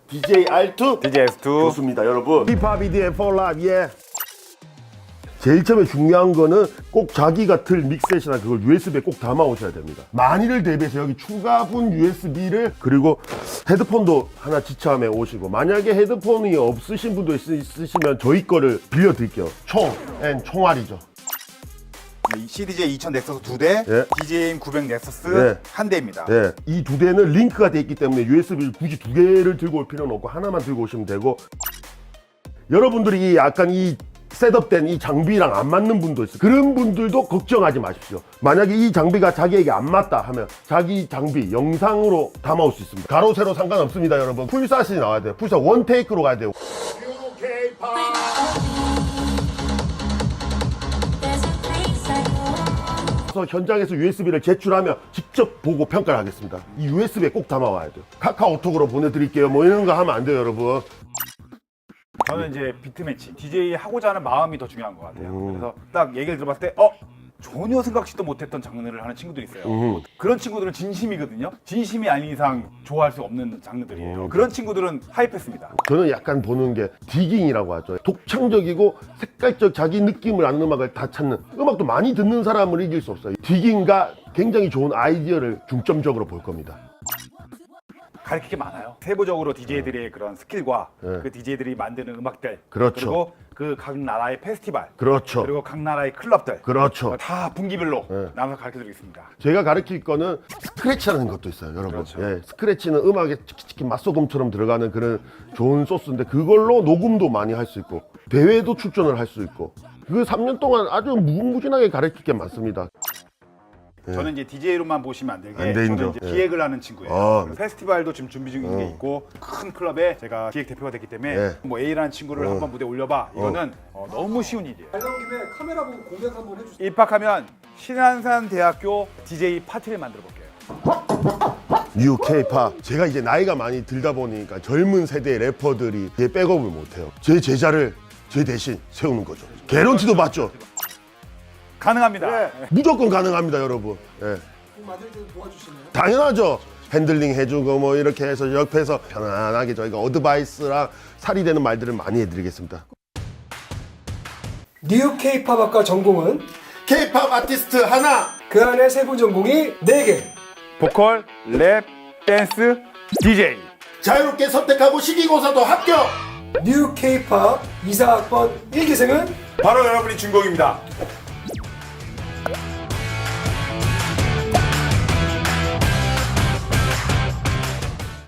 DJ R2 DJ S2 좋습니다 여러분. 힙합 EDM for life. 예. 제일 처음에 중요한 거는 꼭 자기가 틀 믹셋이나 그걸 USB에 꼭 담아 오셔야 됩니다. 만일을 대비해서 여기 추가분 USB를 그리고 헤드폰도 하나 지참해 오시고, 만약에 헤드폰이 없으신 분도 있으시면 저희 거를 빌려드릴게요. 총알이죠. CDJ 2000 넥서스 2대, 예. DJM 900 넥서스 예. 1대입니다. 네, 이 두 대는 링크가 돼 있기 때문에 USB를 굳이 두 개를 들고 올 필요는 없고 하나만 들고 오시면 되고, 여러분들이 약간 이 셋업된 이 장비랑 안 맞는 분도 있어요. 그런 분들도 걱정하지 마십시오. 만약에 이 장비가 자기에게 안 맞다 하면 자기 장비 영상으로 담아올 수 있습니다. 가로 세로 상관없습니다 여러분. 풀샷이 나와야 돼요. 풀샷 원 테이크로 가야 돼요. 그래서 현장에서 USB를 제출하면 직접 보고 평가를 하겠습니다. 이 USB에 꼭 담아와야 돼요. 카카오톡으로 보내드릴게요 뭐 이런 거 하면 안 돼요 여러분. 저는 이제 비트매치, DJ 하고자 하는 마음이 더 중요한 것 같아요. 그래서 딱 얘기를 들어봤을 때, 전혀 생각지도 못했던 장르를 하는 친구들이 있어요. 그런 친구들은 진심이거든요. 진심이 아닌 이상 좋아할 수 없는 장르들이에요. 그런 친구들은 하이패스입니다. 저는 약간 보는 게 디깅이라고 하죠. 독창적이고 색깔적 자기 느낌을 아는 음악을 다 찾는, 음악도 많이 듣는 사람을 이길 수 없어요. 디깅과 굉장히 좋은 아이디어를 중점적으로 볼 겁니다. 가르칠 게 많아요. 세부적으로 DJ들의 그런 스킬과 네. 그 DJ들이 만드는 음악들, 그렇죠. 그리고 그 각 나라의 페스티벌, 그렇죠. 그리고 각 나라의 클럽들, 그렇죠. 다 분기별로 네. 나눠서 가르쳐드리겠습니다. 제가 가르칠 거는 스크래치라는 것도 있어요 여러분. 그렇죠. 예, 스크래치는 음악에 치키치키 맛소금처럼 들어가는 그런 좋은 소스인데, 그걸로 녹음도 많이 할 수 있고 대회도 출전을 할 수 있고, 그 3년 동안 아주 무궁무진하게 가르칠 게 많습니다. 저는 이제 DJ로만 보시면 안 되게, 안 되죠. 저는 이제 예. 기획을 하는 친구예요. 아. 페스티벌도 지금 준비 중인 게 있고, 큰 클럽에 제가 기획 대표가 됐기 때문에 예. 뭐 A라는 친구를 한번 무대에 올려봐. 이거는 너무 쉬운 일이에요. 말 나온 김에 카메라 보고 공약 한번 해주세요. 입학하면 신안산대학교 DJ 파티를 만들어 볼게요. 뉴 K-팝. 제가 이제 나이가 많이 들다 보니까 젊은 세대의 래퍼들이 제 백업을 못해요. 제 제자를 제 대신 세우는 거죠. 개런티도 받죠. 가능합니다. 무조건 가능합니다 여러분. 예. 곡 만들 때 도와주시나요? 당연하죠. 핸들링 해주고 뭐 이렇게 해서 옆에서 편안하게 저희가 어드바이스랑 살이 되는 말들을 많이 해드리겠습니다. 뉴 K-팝 학과 전공은 K-팝 아티스트 하나. 그 안에 세부 전공이 4개. 보컬, 랩, 댄스, DJ. 자유롭게 선택하고 시기고사도 합격. 뉴 K-팝 2사학번 1기생은 바로 여러분이 주인공입니다.